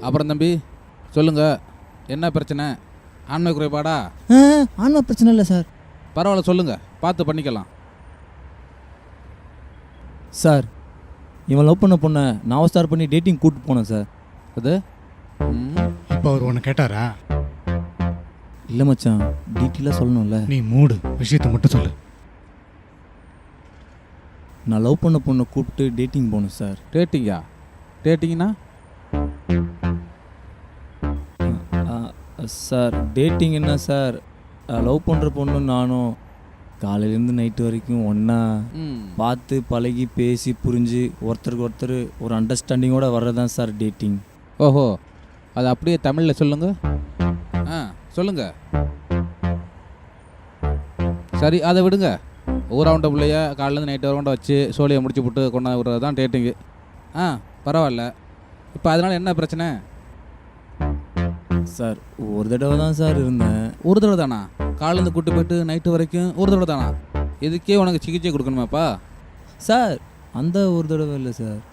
அப்புறம் தம்பி சொல்லுங்கள், என்ன பிரச்சனை? ஆண்மை குறைபாடா? ஆன்மா பிரச்சனை இல்லை சார். பரவாயில்ல, சொல்லுங்கள், பார்த்து பண்ணிக்கலாம். சார், இவன் லவ் பண்ண பொண்ணை நான் ஸ்டார் பண்ணி டேட்டிங் கூப்பிட்டு போனேன் சார். அது இப்போ அவர் உன்னை கேட்டாரா? இல்லை மச்சான், டீட்டெயிலாக சொல்லணும்ல. நீ மூடு, விஷயத்தை மட்டும் சொல்லு. நான் லவ் பண்ண பொண்ணை கூப்பிட்டு டேட்டிங் போனேன் சார். டேட்டிங்கா? டேட்டிங்னா? சார், டேட்டிங் என்ன சார், லவ் பண்ணுற பொண்ணு நானும் காலையிலேருந்து நைட்டு வரைக்கும் ஒன்றா பார்த்து பழகி பேசி புரிஞ்சு ஒருத்தருக்கு ஒருத்தர் ஒரு அண்டர்ஸ்டாண்டிங்கோடு வர்றதான் சார் டேட்டிங். ஓஹோ, அது அப்படியே தமிழில் சொல்லுங்க. சொல்லுங்க. சரி, அதை விடுங்க. ஊராவுண்ட பிள்ளைய காலையிலேருந்து நைட்டு வரவுண்ட வச்சு சோழியை முடிச்சு விட்டு கொண்டாந்து விடுறது தான் டேட்டிங்கு. பரவாயில்ல. இப்போ அதனால் என்ன பிரச்சனை? சார், ஒரு தடவை தான் சார் இருந்தேன். ஒரு தடவை தானா? காலையிலேருந்து கூட்டு போயிட்டு நைட்டு வரைக்கும் ஒரு தடவை தானா? இதுக்கே உனக்கு சிகிச்சை கொடுக்கணுமாப்பா? சார், அந்த ஒரு தடவை இல்லை சார்.